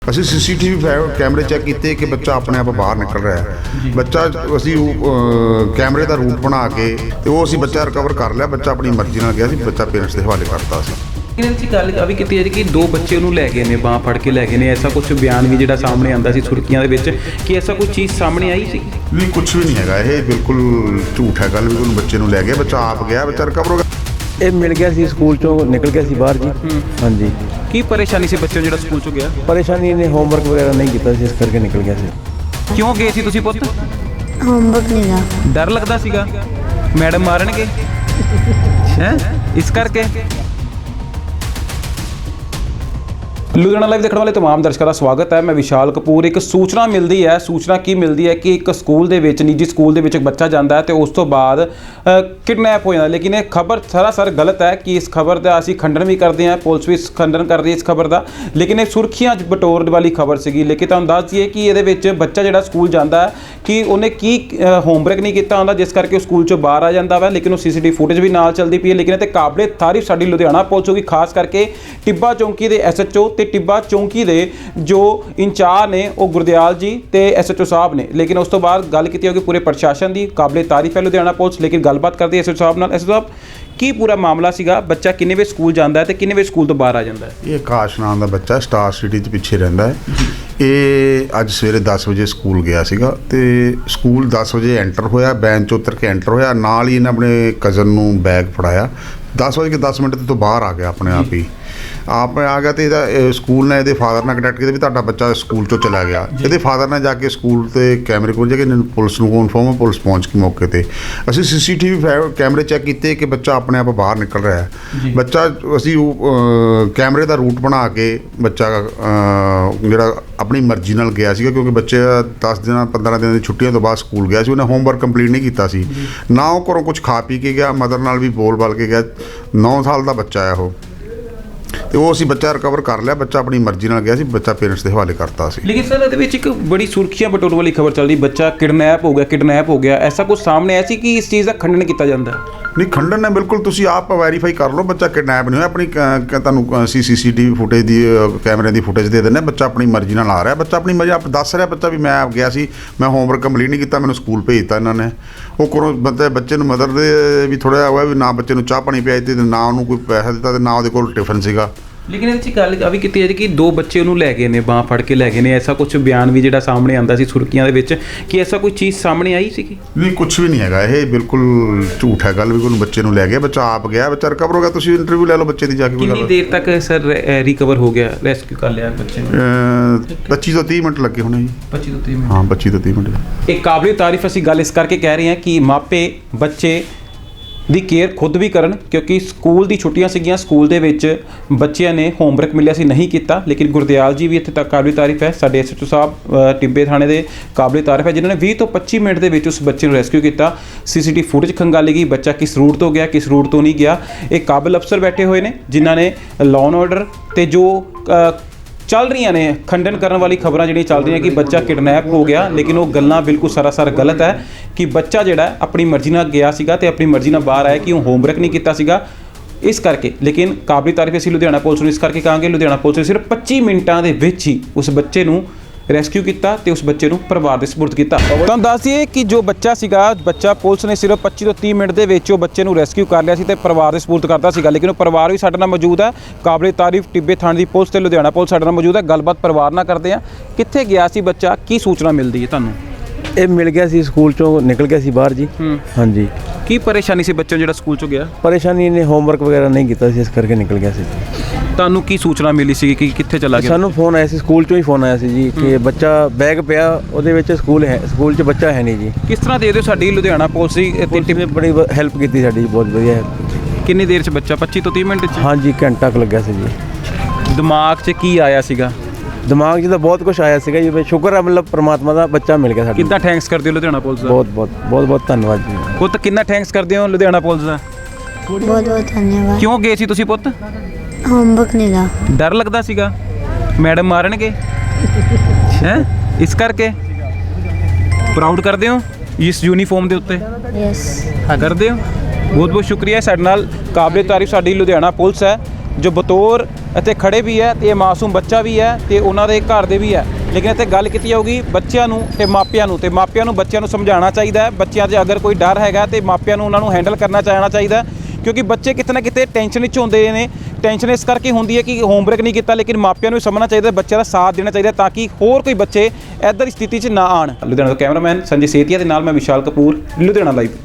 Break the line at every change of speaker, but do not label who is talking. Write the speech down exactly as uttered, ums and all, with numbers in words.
ਅਸੀਂ ਸੀਸੀਟੀਵੀ ਕੈਮਰੇ ਚੈੱਕ ਕੀਤੇ ਕਿ ਬੱਚਾ ਆਪਣੇ ਆਪ ਬਾਹਰ ਨਿਕਲ ਰਿਹਾ ਹੈ। ਬੱਚਾ ਅਸੀਂ ਕੈਮਰੇ ਦਾ ਰੂਟ ਬਣਾ ਕੇ ਤੇ ਉਹ ਅਸੀਂ ਬੱਚਾ ਰਿਕਵਰ ਕਰ ਲਿਆ। ਬੱਚਾ ਆਪਣੀ ਮਰਜ਼ੀ ਨਾਲ ਗਿਆ ਸੀ, ਬੱਚਾ ਪੇਰੈਂਟਸ ਦੇ ਹਵਾਲੇ ਕਰਤਾ ਸੀ।
ਇਹਨਾਂ ਦੀ ਗੱਲ ਆ ਵੀ ਕੀਤੀ ਹੈ ਕਿ ਦੋ ਬੱਚੇ ਉਹਨੂੰ ਲੈ ਗਏ ਨੇ, ਬਾਂਹ ਫੜ ਕੇ ਲੈ ਗਏ ਨੇ। ਐਸਾ ਕੁਝ ਬਿਆਨ ਵੀ ਜਿਹੜਾ ਸਾਹਮਣੇ ਆਉਂਦਾ ਸੀ ਸੁਰਖੀਆਂ ਦੇ ਵਿੱਚ ਕਿ ਐਸਾ ਕੋਈ ਚੀਜ਼ ਸਾਹਮਣੇ ਆਈ ਸੀ?
ਨਹੀਂ, ਕੁਝ ਵੀ ਨਹੀਂ ਹੈਗਾ। ਇਹ ਬਿਲਕੁਲ ਝੂਠ ਹੈ ਗੱਲ ਵੀ ਉਹਨੂੰ ਬੱਚੇ ਨੂੰ ਲੈ ਗਿਆ। ਬੱਚਾ ਆਪ ਗਿਆ, ਬੱਚਾ ਰਿਕਵਰ ਹੋ ਗਿਆ।
ਇਹ ਮਿਲ ਗਿਆ ਸੀ ਸਕੂਲ ਚੋਂ, ਨਿਕਲ ਗਿਆ ਸੀ ਬਾਹਰ ਜੀ। ਹਾਂਜੀ।
ਕੀ ਪਰੇਸ਼ਾਨੀ ਸੀ ਬੱਚੇ ਨੂੰ ਜਿਹੜਾ ਸਕੂਲ ਚੋਂ ਗਿਆ?
ਪਰੇਸ਼ਾਨੀ ਨੇ ਹੋਮਵਰਕ ਵਗੈਰਾ ਨਹੀਂ ਕੀਤਾ ਸੀ, ਇਸ ਕਰਕੇ ਨਿਕਲ ਗਿਆ ਸੀ।
ਕਿਉਂ ਗਏ ਸੀ ਤੁਸੀਂ ਪੁੱਤ?
ਹੋਮਵਰਕ ਨਹੀਂ ਦਾ
ਡਰ ਲੱਗਦਾ ਸੀਗਾ ਮੈਡਮ ਮਾਰਨਗੇ ਹੈ, ਇਸ ਕਰਕੇ। ਲੁਧਿਆਣਾ ਲਾਈਵ ਦੇਖਣ ਵਾਲੇ तमाम ਦਰਸ਼ਕਾਂ ਦਾ ਸਵਾਗਤ ਹੈ। ਮੈਂ ਵਿਸ਼ਾਲ ਕਪੂਰ। ਇੱਕ ਸੂਚਨਾ ਮਿਲਦੀ ਹੈ ਸੂਚਨਾ ਕੀ ਮਿਲਦੀ ਹੈ ਕਿ ਇੱਕ ਸਕੂਲ ਦੇ ਵਿੱਚ, ਨਿੱਜੀ ਸਕੂਲ ਦੇ ਵਿੱਚ ਇੱਕ ਬੱਚਾ ਜਾਂਦਾ ਹੈ ਤੇ ਉਸ ਤੋਂ ਬਾਅਦ ਕਿਡਨੈਪ ਹੋ ਜਾਂਦਾ। ਲੇਕਿਨ ਇਹ ਖਬਰ ਸਰਾਸਰ ਗਲਤ ਹੈ ਕਿ ਇਸ ਖਬਰ ਦਾ ਅਸੀਂ ਖੰਡਨ ਵੀ ਕਰਦੇ ਹਾਂ, ਪੁਲਿਸ ਵੀ ਖੰਡਨ ਕਰ ਰਹੀ ਹੈ ਇਸ ਖਬਰ ਦਾ। ਲੇਕਿਨ ਇਹ ਸੁਰਖੀਆਂ ਬਟੋਰ ਵਾਲੀ ਖਬਰ ਸੀਗੀ। ਲੇਕਿਨ ਤੁਹਾਨੂੰ ਦੱਸ ਦਈਏ ਕਿ ਇਹਦੇ ਵਿੱਚ ਬੱਚਾ ਜਿਹੜਾ ਸਕੂਲ ਜਾਂਦਾ ਹੈ ਕਿ ਉਹਨੇ ਕੀ ਹੋਮਵਰਕ ਨਹੀਂ ਕੀਤਾ ਹੁੰਦਾ, ਜਿਸ ਕਰਕੇ ਉਹ ਸਕੂਲ ਚੋਂ ਬਾਹਰ ਆ ਜਾਂਦਾ ਵਾ। ਲੇਕਿਨ ਉਹ ਸੀਸੀਟੀਵੀ ਫੁਟੇਜ ਵੀ ਨਾਲ ਚੱਲਦੀ ਪਈ ਹੈ। ਲੇਕਿਨ ਇਹ ਤੇ ਕਾਬਲੇ ਤਾਰੀਫ ਸਾਡੀ ਲੁਧਿਆਣਾ ਪੁਲਿਸ ਹੋਗੀ, ਖਾਸ ਕਰਕੇ ਟਿੱਬਾ ਚੌਂਕੀ ਦੇ ਐਸ ਐਚ ਓ ਤੇ ਟਿੱਬਾ ਚੌਂਕੀ ਦੇ ਜੋ ਇੰਚਾਰਜ ਨੇ ਉਹ ਗੁਰਦਿਆਲ ਜੀ ਤੇ ਐਸ ਐਚ ਓ ਸਾਹਿਬ ਨੇ। ਲੇਕਿਨ ਉਸ ਤੋਂ ਬਾਅਦ ਗੱਲ ਕੀਤੀ ਹੋਗੀ ਪੂਰੇ ਪ੍ਰਸ਼ਾਸਨ ਦੀ, ਕਾਬਲੇ ਤਾਰੀਫ ਹੈ ਲੁਧਿਆਣਾ ਪੁਲਿਸ। ਲੇਕਿਨ ਗੱਲਬਾਤ ਕਰਦੇ ਐਸ ਐਚ ਓ ਸਾਹਿਬ ਨਾਲ। ਐਸ ਐਚ ਓ ਸਾਹਿਬ, ਕੀ ਪੂਰਾ ਮਾਮਲਾ ਸੀਗਾ? ਬੱਚਾ ਕਿੰਨੇ ਵਜੇ ਸਕੂਲ ਜਾਂਦਾ ਹੈ ਤੇ ਕਿੰਨੇ ਵਜੇ ਸਕੂਲ ਤੋਂ ਬਾਹਰ ਆ ਜਾਂਦਾ ਹੈ?
ਇਹ ਆਕਾਸ਼ ਨਾਮ ਦਾ ਬੱਚਾ ਸਟਾਰ ਸਿਟੀ ਦੇ ਪਿੱਛੇ ਰਹਿੰਦਾ ਹੈ। ਇਹ ਅੱਜ ਸਵੇਰੇ ਦਸ ਵਜੇ ਸਕੂਲ ਗਿਆ ਸੀਗਾ ਤੇ ਸਕੂਲ ਦਸ ਵਜੇ ਐਂਟਰ ਹੋਇਆ, ਬੈਂਚ 'ਚੋਂ ਉਤਰ ਕੇ ਐਂਟਰ ਹੋਇਆ। ਨਾਲ ਹੀ ਇਹਨੇ ਆਪਣੇ ਕਜ਼ਨ ਨੂੰ ਬੈਗ ਫੜਾਇਆ। ਦਸ ਵਜੇ ਕੇ ਦਸ ਮਿੰਟ ਤੋਂ ਬਾਹਰ ਆ ਗਿਆ ਆਪਣੇ ਆਪ ਹੀ। ਆਪ ਆ ਗਿਆ ਤੇ ਇਹਦਾ ਸਕੂਲ ਨੇ ਇਹਦੇ ਫਾਦਰ ਨਾਲ ਕੰਟੈਕਟ ਕੀਤਾ ਵੀ ਤੁਹਾਡਾ ਬੱਚਾ ਸਕੂਲ ਤੋਂ ਚਲਾ ਗਿਆ। ਇਹਦੇ ਫਾਦਰ ਨੇ ਜਾ ਕੇ ਸਕੂਲ ਤੇ ਕੈਮਰੇ ਕੋਲ ਜਾ ਕੇ ਪੁਲਿਸ ਨੂੰ ਇਨਫੋਰਮ, ਪੁਲਿਸ ਪਹੁੰਚ ਕੇ ਮੌਕੇ ਤੇ ਅਸੀਂ ਸੀਸੀਟੀਵੀ ਕੈਮਰੇ ਚੈੱਕ ਕੀਤੇ ਕਿ ਬੱਚਾ ਆਪਣੇ ਆਪ ਬਾਹਰ ਨਿਕਲ ਰਿਹਾ ਹੈ। ਬੱਚਾ ਅਸੀਂ ਕੈਮਰੇ ਦਾ ਰੂਟ ਬਣਾ ਕੇ ਬੱਚਾ ਜਿਹੜਾ ਆਪਣੀ ਮਰਜ਼ੀ ਨਾਲ ਗਿਆ ਸੀਗਾ, ਕਿਉਂਕਿ ਬੱਚੇ ਦਸ ਦਿਨਾਂ ਪੰਦਰਾਂ ਦਿਨਾਂ ਦੀ ਛੁੱਟੀਆਂ ਤੋਂ ਬਾਅਦ ਸਕੂਲ ਗਿਆ ਸੀ। ਉਹਨੇ ਹੋਮਵਰਕ ਕੰਪਲੀਟ ਨਹੀਂ ਕੀਤਾ ਸੀ, ਨਾ ਉਹ ਘਰੋਂ ਕੁਝ ਖਾ ਪੀ ਕੇ ਗਿਆ, ਮਦਰ ਨਾਲ ਵੀ ਬੋਲ ਬਾਲ ਕੇ ਗਿਆ। ਨੌ ਸਾਲ ਦਾ ਬੱਚਾ ਹੈ ਉਹ, ਤੇ ਉਹ ਅਸੀਂ ਬੱਚਾ ਰਿਕਵਰ ਕਰ ਲਿਆ। ਬੱਚਾ ਆਪਣੀ ਮਰਜ਼ੀ ਨਾਲ ਗਿਆ ਸੀ, ਬੱਚਾ ਪੇਰੈਂਟਸ ਦੇ ਹਵਾਲੇ ਕਰਤਾ ਸੀ।
ਲੇਕਿਨ ਸਰ ਇਹਦੇ ਵਿੱਚ ਇੱਕ ਬੜੀ ਸੁਰਖੀਆਂ ਬਟੋਰ ਵਾਲੀ ਖਬਰ ਚੱਲਦੀ, ਬੱਚਾ ਕਿਡਨੈਪ ਹੋ ਗਿਆ ਕਿਡਨੈਪ ਹੋ ਗਿਆ ਐਸਾ ਕੁਝ ਸਾਹਮਣੇ ਆਇਆ ਸੀ ਕਿ ਇਸ ਚੀਜ਼ ਦਾ ਖੰਡਨ ਕੀਤਾ ਜਾਂਦਾ?
ਨਹੀਂ, ਖੰਡਨ ਹੈ ਬਿਲਕੁਲ। ਤੁਸੀਂ ਆਪ ਵੈਰੀਫਾਈ ਕਰ ਲਓ, ਬੱਚਾ ਕਿਡਨੈਪ ਨਹੀਂ ਹੋਇਆ। ਆਪਣੀ ਤੁਹਾਨੂੰ ਅਸੀਂ ਸੀ ਸੀ ਟੀ ਵੀ ਫੁਟੇਜ ਦੀ, ਕੈਮਰੇ ਦੀ ਫੁਟੇਜ ਦੇ ਦਿੰਦੇ। ਬੱਚਾ ਆਪਣੀ ਮਰਜ਼ੀ ਨਾਲ ਆ ਰਿਹਾ, ਬੱਚਾ ਆਪਣੀ ਮਰਜ਼ੀ ਆਪ ਦੱਸ ਰਿਹਾ। ਬੱਚਾ ਵੀ ਮੈਂ ਆਪ ਗਿਆ ਸੀ, ਮੈਂ ਹੋਮਵਰਕ ਕੰਪਲੀਟ ਨਹੀਂ ਕੀਤਾ, ਮੈਨੂੰ ਸਕੂਲ ਭੇਜਤਾ ਇਹਨਾਂ ਨੇ। ਉਹ ਕੋਲੋਂ ਬੰਦੇ ਬੱਚੇ ਨੂੰ ਮਦਰ ਦੇ ਵੀ ਥੋੜ੍ਹਾ ਹੋਇਆ ਵੀ ਨਾ ਬੱਚੇ ਨੂੰ ਚਾਹ ਪਾਣੀ ਪਿਆਈ ਤੇ ਨਾ ਉਹਨੂੰ ਕੋਈ ਪੈਸਾ ਦਿੱਤਾ ਤੇ ਨਾ ਉਹਦੇ ਕੋਲ ਟਿਫਨ ਸੀਗਾ।
ਲੇਕਿਨ ਇਹਦੇ 'ਚ ਗੱਲ ਆ ਵੀ ਕੀਤੀ ਜਾਂਦੀ ਕਿ ਦੋ ਬੱਚੇ ਉਹਨੂੰ ਲੈ ਗਏ ਨੇ, ਬਾਂਹ ਫੜ ਕੇ ਲੈ ਗਏ ਨੇ। ਐਸਾ ਕੁਝ ਬਿਆਨ ਵੀ ਜਿਹੜਾ ਸਾਹਮਣੇ ਆਉਂਦਾ ਸੀ ਸੁਰਖੀਆਂ ਦੇ ਵਿੱਚ ਕਿ ਐਸਾ ਕੋਈ ਚੀਜ਼ ਸਾਹਮਣੇ ਆਈ ਸੀਗੀ?
ਨਹੀਂ, ਕੁਝ ਵੀ ਨਹੀਂ ਹੈਗਾ। ਇਹ ਬਿਲਕੁਲ ਝੂਠ ਹੈ ਗੱਲ ਵੀ ਉਹਨੂੰ ਬੱਚੇ ਨੂੰ ਲੈ ਗਿਆ। ਬੱਚਾ ਆਪ ਗਿਆ, ਬੱਚਾ ਰਿਕਵਰ ਹੋ ਗਿਆ। ਤੁਸੀਂ ਇੰਟਰਵਿਊ ਲੈ ਲਓ ਬੱਚੇ ਦੀ ਜਾ ਕੇ।
ਕਿੰਨੀ ਦੇਰ ਤੱਕ ਸਰ ਰਿਕਵਰ ਹੋ ਗਿਆ, ਰੈਸਕਿਊ ਕਰ ਲਿਆ ਬੱਚੇ ਨੂੰ?
ਪੱਚੀ ਤੋਂ ਤੀਹ ਮਿੰਟ ਲੱਗੇ ਹੋਣੇ ਜੀ।
ਪੱਚੀ ਤੋਂ ਤੀਹ ਮਿੰਟ
ਹਾਂ, ਪੱਚੀ ਤੋਂ ਤੀਹ ਮਿੰਟ।
ਇਹ ਕਾਬਲੇ ਤਾਰੀਫ ਅਸੀਂ ਗੱਲ ਇਸ ਕਰਕੇ ਕਹਿ ਰਹੇ ਹਾਂ ਕਿ ਮਾਪੇ ਬੱਚੇ ਦੀ ਕੇਅਰ ਖੁਦ ਵੀ ਕਰਨ, ਕਿਉਂਕਿ ਸਕੂਲ ਦੀ ਛੁੱਟੀਆਂ ਸੀਗੀਆਂ, ਸਕੂਲ ਦੇ ਵਿੱਚ ਬੱਚਿਆਂ ਨੇ ਹੋਮਵਰਕ ਮਿਲਿਆ ਸੀ ਨਹੀਂ ਕੀਤਾ। ਲੇਕਿਨ ਗੁਰਦਿਆਲ ਜੀ ਵੀ ਇੱਥੇ ਤੱਕ ਕਾਬਲੇ ਤਾਰੀਫ ਹੈ, ਸਾਡੇ ਐਸ ਐਚ ਓ ਸਾਹਿਬ ਟਿੱਬੇ ਥਾਣੇ ਦੇ ਕਾਬਲੇ ਤਾਰੀਫ ਹੈ, ਜਿਨ੍ਹਾਂ ਨੇ ਵੀਹ ਤੋਂ ਪੱਚੀ ਮਿੰਟ ਦੇ ਵਿੱਚ ਉਸ ਬੱਚੇ ਨੂੰ ਰੈਸਕਿਊ ਕੀਤਾ। ਸੀਸੀਟੀਵੀ ਫੁਟੇਜ ਖੰਗਾਲੀ ਗਈ, ਬੱਚਾ ਕਿਸ ਰੂਟ ਤੋਂ ਗਿਆ ਕਿਸ ਰੂਟ ਤੋਂ ਨਹੀਂ ਗਿਆ। ਇਹ ਕਾਬਲ ਅਫਸਰ ਬੈਠੇ ਹੋਏ ਨੇ ਜਿਨ੍ਹਾਂ ਨੇ ਲਾਅ ਐਂਡ ਆਰਡਰ ਤੇ ਜੋ ਚੱਲ ਰਹੀਆਂ ਨੇ ਖੰਡਨ ਕਰਨ ਵਾਲੀ ਖਬਰਾਂ ਜਿਹੜੀਆਂ ਚੱਲ ਰਹੀਆਂ ਕਿ ਬੱਚਾ ਕਿਡਨੈਪ ਹੋ ਗਿਆ। ਲੇਕਿਨ ਉਹ ਗੱਲਾਂ ਬਿਲਕੁਲ ਸਰਾਸਰ ਗਲਤ ਹੈ ਕਿ ਬੱਚਾ ਜਿਹੜਾ ਆਪਣੀ ਮਰਜ਼ੀ ਨਾਲ ਗਿਆ ਸੀਗਾ ਤੇ ਆਪਣੀ ਮਰਜ਼ੀ ਨਾਲ ਬਾਹਰ ਆਇਆ, ਕਿ ਉਹ ਹੋਮਵਰਕ ਨਹੀਂ ਕੀਤਾ ਸੀਗਾ ਇਸ ਕਰਕੇ। ਲੇਕਿਨ ਕਾਬਲੇ ਤਾਰੀਫ ਅਸੀਂ ਲੁਧਿਆਣਾ ਪੁਲਿਸ ਨੂੰ ਇਸ ਕਰਕੇ ਕਹਾਂਗੇ, ਲੁਧਿਆਣਾ ਪੁਲਿਸ ਨੇ ਸਿਰਫ ਪੱਚੀ ਮਿੰਟਾਂ ਦੇ ਵਿੱਚ ਹੀ ਉਸ ਬੱਚੇ ਨੂੰ ਰੈਸਕਿਊ ਕੀਤਾ ਤੇ ਉਸ ਬੱਚੇ ਨੂੰ ਪਰਿਵਾਰ ਦੇ ਸਪੁਰਦ ਕੀਤਾ। ਤੁਹਾਨੂੰ ਦੱਸ ਦਈਏ ਕਿ ਜੋ ਬੱਚਾ ਸੀਗਾ, ਬੱਚਾ ਪੁਲਿਸ ਨੇ ਸਿਰਫ ਪੱਚੀ ਤੋਂ ਤੀਹ ਮਿੰਟ ਦੇ ਵਿੱਚ ਉਹ ਬੱਚੇ ਨੂੰ ਰੈਸਕਿਊ ਕਰ ਲਿਆ ਸੀ ਤੇ ਪਰਿਵਾਰ ਦੇ ਸਪੁਰਦ ਕਰਦਾ ਸੀਗਾ। ਲੇਕਿਨ ਉਹ ਪਰਿਵਾਰ ਵੀ ਸਾਡੇ ਨਾਲ ਮੌਜੂਦ ਹੈ, ਕਾਬਲੇ ਤਾਰੀਫ ਟਿੱਬੇ ਥਾਣੇ ਦੀ ਪੁਲਿਸ ਤੇ ਲੁਧਿਆਣਾ ਪੁਲਿਸ ਸਾਡੇ ਨਾਲ ਮੌਜੂਦ ਹੈ। ਗੱਲਬਾਤ ਪਰਿਵਾਰ ਨਾਲ ਕਰਦੇ ਹਾਂ। ਕਿੱਥੇ ਗਿਆ ਸੀ ਬੱਚਾ, ਕੀ ਸੂਚਨਾ ਮਿਲਦੀ ਹੈ ਤੁਹਾਨੂੰ?
ਇਹ ਮਿਲ ਗਿਆ ਸੀ ਸਕੂਲ ਚੋਂ, ਨਿਕਲ ਗਿਆ ਸੀ ਬਾਹਰ ਜੀ। ਹਾਂਜੀ।
ਕੀ ਪਰੇਸ਼ਾਨੀ ਸੀ ਬੱਚੇ ਨੂੰ ਜਿਹੜਾ ਸਕੂਲ ਚੋਂ ਗਿਆ?
ਪਰੇਸ਼ਾਨੀ ਨੇ ਹੋਮਵਰਕ ਵਗੈਰਾ ਨਹੀਂ ਕੀਤਾ ਸੀ, ਇਸ ਕਰਕੇ ਨਿਕਲ ਗਿਆ ਸੀ।
ਤੁਹਾਨੂੰ ਕੀ ਸੂਚਨਾ ਮਿਲੀ ਸੀ ਕਿ ਕਿੱਥੇ ਚਲਾ ਗਿਆ?
ਸਾਨੂੰ ਫੋਨ ਆਇਆ ਸੀ, ਸਕੂਲ ਚੋਂ ਹੀ ਫੋਨ ਆਇਆ ਸੀ ਜੀ ਕਿ ਬੱਚਾ ਬੈਗ ਪਿਆ ਉਹਦੇ ਵਿੱਚ, ਸਕੂਲ ਹੈ, ਸਕੂਲ 'ਚ ਬੱਚਾ ਹੈ ਨਹੀਂ ਜੀ।
ਕਿਸ ਤਰ੍ਹਾਂ ਦੇ ਦਿਓ ਸਾਡੀ ਲੁਧਿਆਣਾ ਪੁਲਿਸ ਦੀ
ਪੁਲਿਸ ਨੇ ਬੜੀ ਹੈਲਪ ਕੀਤੀ ਸਾਡੀ, ਬਹੁਤ ਵਧੀਆ ਹੈਲਪ ਕੀਤੀ।
ਕਿੰਨੀ ਦੇਰ 'ਚ ਬੱਚਾ? ਪੱਚੀ ਤੋਂ ਤੀਹ ਮਿੰਟ 'ਚ?
ਹਾਂਜੀ, ਘੰਟਾ ਕੁ ਲੱਗਿਆ ਸੀ ਜੀ।
ਦਿਮਾਗ 'ਚ ਕੀ ਆਇਆ ਸੀਗਾ?
ਦਿਮਾਗ 'ਚ ਤਾਂ ਬਹੁਤ ਕੁਝ ਆਇਆ ਸੀਗਾ ਜੀ। ਸ਼ੁਕਰ ਹੈ ਮਤਲਬ ਪਰਮਾਤਮਾ ਦਾ ਬੱਚਾ ਮਿਲ ਗਿਆ ਸਾਡਾ।
ਕਿੰਨਾ ਥੈਂਕਸ ਕਰਦੇ ਹੋ ਲੁਧਿਆਣਾ ਪੁਲਿਸ ਦਾ?
ਬਹੁਤ ਬਹੁਤ ਬਹੁਤ ਬਹੁਤ ਧੰਨਵਾਦ ਜੀ।
ਪੁੱਤ ਕਿੰਨਾ ਥੈਂਕਸ ਕਰਦੇ ਹੋ ਲੁਧਿਆਣਾ ਪੁਲਿਸ ਦਾ?
ਬਹੁਤ ਬਹੁਤ ਧੰਨਵਾਦ।
ਕਿਉਂ ਗਏ ਸੀ ਤੁਸੀਂ ਪੁੱਤ?
ਹੋਮਵਰਕ ਨਹੀਂ ਦਾ
ਡਰ ਲੱਗਦਾ ਸੀਗਾ ਮੈਡਮ ਮਾਰਨਗੇ ਹੈ, ਇਸ ਕਰਕੇ? ਪ੍ਰਾਊਡ ਕਰਦੇ ਹੋ ਇਸ ਯੂਨੀਫਾਰਮ ਦੇ ਉੱਤੇ?
ਯੈਸ
ਹਾਂ, ਕਰਦੇ ਹੋ। ਬਹੁਤ ਬਹੁਤ ਸ਼ੁਕਰੀਆ। ਸਾਡੇ ਨਾਲ ਕਾਬਲੇ ਤਾਰੀਫ ਸਾਡੀ ਲੁਧਿਆਣਾ ਪੁਲਿਸ ਹੈ ਜੋ ਬਤੌਰ ਇੱਥੇ ਖੜੇ ਵੀ ਹੈ ਤੇ ਇਹ ਮਾਸੂਮ ਬੱਚਾ ਵੀ ਹੈ ਤੇ ਉਹਨਾਂ ਦੇ ਘਰ ਦੇ ਵੀ ਹੈ। ਲੇਕਿਨ ਇੱਥੇ ਗੱਲ ਕੀਤੀ ਜਾਊਗੀ ਬੱਚਿਆਂ ਨੂੰ ਤੇ ਮਾਪਿਆਂ ਨੂੰ, ਤੇ ਮਾਪਿਆਂ ਨੂੰ ਬੱਚਿਆਂ ਨੂੰ ਸਮਝਾਉਣਾ ਚਾਹੀਦਾ ਹੈ। ਬੱਚਿਆਂ 'ਚ ਅਗਰ ਕੋਈ ਡਰ ਹੈਗਾ ਤੇ ਮਾਪਿਆਂ ਨੂੰ ਉਹਨਾਂ ਨੂੰ ਹੈਂਡਲ ਕਰਨਾ ਚਾਹਣਾ ਚਾਹੀਦਾ, ਕਿਉਂਕਿ ਬੱਚੇ ਕਿਤੇ ਨਾ ਕਿਤੇ ਟੈਨਸ਼ਨ ਵਿੱਚ ਹੁੰਦੇ ਨੇ। ਟੈਨਸ਼ਨ ਇਸ ਕਰਕੇ ਹੁੰਦੀ ਹੈ ਕਿ ਹੋਮਵਰਕ ਨਹੀਂ ਕੀਤਾ, ਲੇਕਿਨ ਮਾਪਿਆਂ ਨੂੰ ਵੀ ਸਮਝਣਾ ਚਾਹੀਦਾ, ਬੱਚਿਆਂ ਦਾ ਸਾਥ ਦੇਣਾ ਚਾਹੀਦਾ ਤਾਂ ਕਿ ਹੋਰ ਕੋਈ ਬੱਚੇ ਇੱਧਰ ਦੀ ਸਥਿਤੀ 'ਚ ਨਾ ਆਉਣ। ਲੁਧਿਆਣਾ ਤੋਂ ਕੈਮਰਾਮੈਨ ਸੰਜੇ ਸੇਤੀਆ ਦੇ ਨਾਲ ਮੈਂ ਵਿਸ਼ਾਲ ਕਪੂਰ, ਲੁਧਿਆਣਾ ਲਾਈਵ।